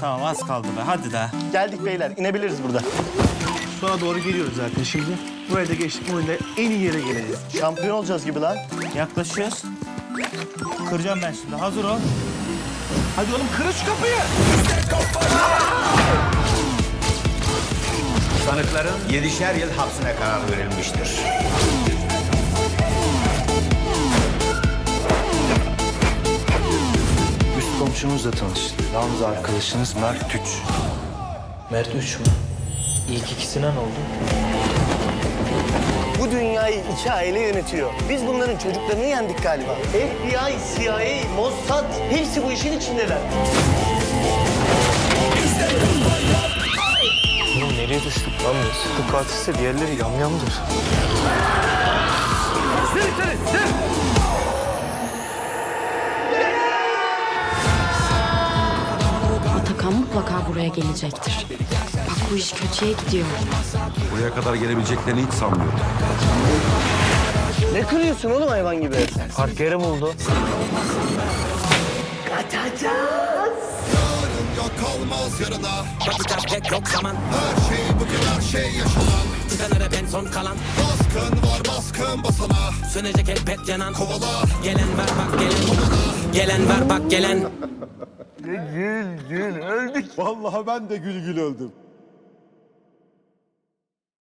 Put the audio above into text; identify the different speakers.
Speaker 1: Tamam az kaldı be hadi de.
Speaker 2: Geldik beyler, inebiliriz burada.
Speaker 3: Sonra doğru geliyoruz zaten şimdi. Buraya da geçtik, bu oyunda en iyi yere geleceğiz.
Speaker 2: Şampiyon olacağız gibi lan.
Speaker 1: Yaklaşıyoruz. Kıracağım ben şimdi hazır ol.
Speaker 3: Hadi oğlum kırın şu kapıyı.
Speaker 4: Sanıkların 7'şer yıl hapsine karar verilmiştir.
Speaker 5: Üst komşumuzla tanışın. Yalnız arkadaşınız Mert Üç.
Speaker 6: Mert 3 mü? İlk ikisine ne oldu?
Speaker 2: Bu dünyayı iki aile yönetiyor. Biz bunların çocuklarını yendik galiba. FBI, CIA, Mossad hepsi bu işin içindeler.
Speaker 6: Oğlum nereye düştük lan biz?
Speaker 5: Bu katilse diğerleri yamyamdır.
Speaker 7: Atakan mutlaka buraya gelecektir. Bak bu iş kötüye gidiyor.
Speaker 8: Buraya kadar gelebileceklerini hiç sanmıyorum.
Speaker 2: Ne kırıyorsun oğlum hayvan gibi?
Speaker 6: Park yeri buldu.
Speaker 9: Yok kalmaz yarına. Bakacak pek yok zaman. Her şey bugün her şey yaşanan. Tıkanır hep en son kalan. Baskın var baskın basana. Sönecek elbet yanan. Kovala. Gelen ver bak gelen. Gelen ver bak gelen.
Speaker 8: Vallahi ben de gül gül öldüm.